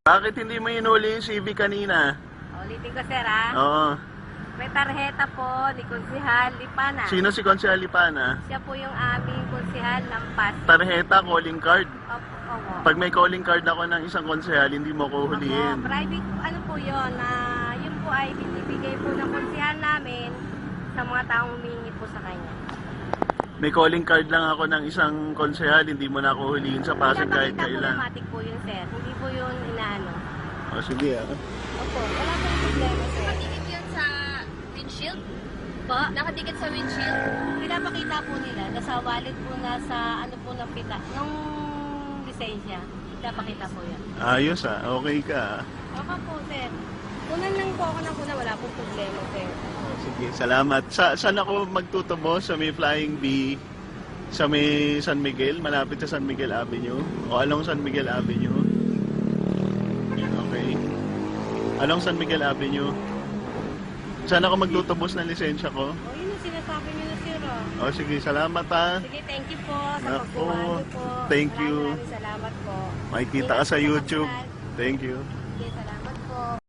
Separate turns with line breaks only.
Bakit hindi mo inuli yung CV kanina?
Ulitin ko, sir, ha?
Oo.
May tarjeta po ni Konsehal Lipana.
Sino si Konsehal Lipana?
Siya po yung aming konsehal ng Pasig.
Tarjeta, calling card.
Opo.
Pag may calling card ako ng isang konsehal, hindi mo ko hulihin.
Private, ano po yun, yun po ay binibigay po ng konsehal namin sa mga taong humingi po sa kanya.
May calling card lang ako ng isang konsehal, hindi mo na ako hulihin sa Pasig kahit
Pinapakita po
kailan.
automatic po yun, sir. Hindi po yun inaano.
O sige
Opo, wala po problema, sir.
Nakadikit yun sa windshield? Po? Nakadikit sa windshield?
Pinapakita po nila, nasa wallet po, nasa ano po ng pita, nung lisensya. Pinapakita po yan.
Ayos okay ka.
Okay po, sir. Kunan lang po ako ng wala pong problema, sir.
Sige, salamat. Saan ako magtutubo? Sa may Flying B? Sa may San Miguel? Malapit sa San Miguel Avenue? O along San Miguel Avenue? Okay. Along San Miguel Avenue? Saan ako magtutubos ng lisensya ko?
O, yun yung sinasabi niyo na, sir.
O sige, salamat ha.
Sige, thank you po sa
Naku,
pagkuhan niyo po.
thank you.
Maraming salamat po.
Makikita ka sa YouTube. Thank you.
Sige, salamat.